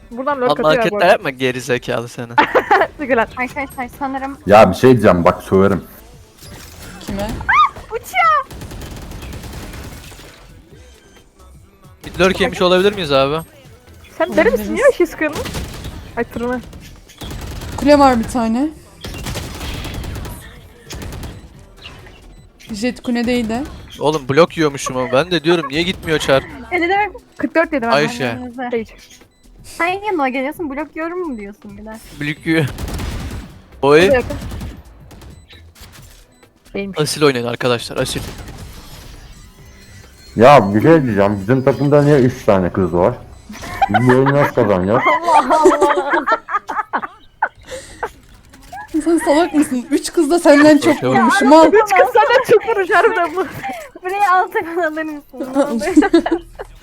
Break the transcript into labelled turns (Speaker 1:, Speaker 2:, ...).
Speaker 1: Buradan lurk
Speaker 2: Allah
Speaker 1: atıyor bu
Speaker 2: hareketler
Speaker 1: arada.
Speaker 2: yapma geri zekalı seni.
Speaker 1: Teşekkürler.
Speaker 3: Arkadaşlar sanırım
Speaker 4: Ya bir şey diyeceğim bak söverim.
Speaker 5: Kime?
Speaker 3: uçuyor.
Speaker 2: Bir lurk yemiş olabilir miyiz abi?
Speaker 1: Sen deli misin ya şey sıkıyorsun? Ay tırını.
Speaker 5: Kule var bir tane. Jet kuledeydi.
Speaker 2: Oğlum blok yiyormuşum ama ben de diyorum niye gitmiyor çar?
Speaker 3: Ne demek?
Speaker 1: 44 dedim ben.
Speaker 2: Ayşe.
Speaker 1: Sage.
Speaker 3: Sen yanıma geliyorsun blok yorum mu diyorsun bir de?
Speaker 2: Blok yiyor. Oy.
Speaker 1: Buraya yakın. Değilmiş.
Speaker 2: Asil oynayın arkadaşlar asil.
Speaker 4: Ya bir şey diyeceğim. Bizim takımda niye 3 tane kız var? Biz bu oyunu nasıl kazanacağız?
Speaker 5: Sen salak mısın? 3 kız da senden çok
Speaker 2: Yok.
Speaker 5: vurmuşum al.
Speaker 1: 3 kız senden çok vuruş harbiden bu.
Speaker 3: Burayı alta alır mısın? Ne olur?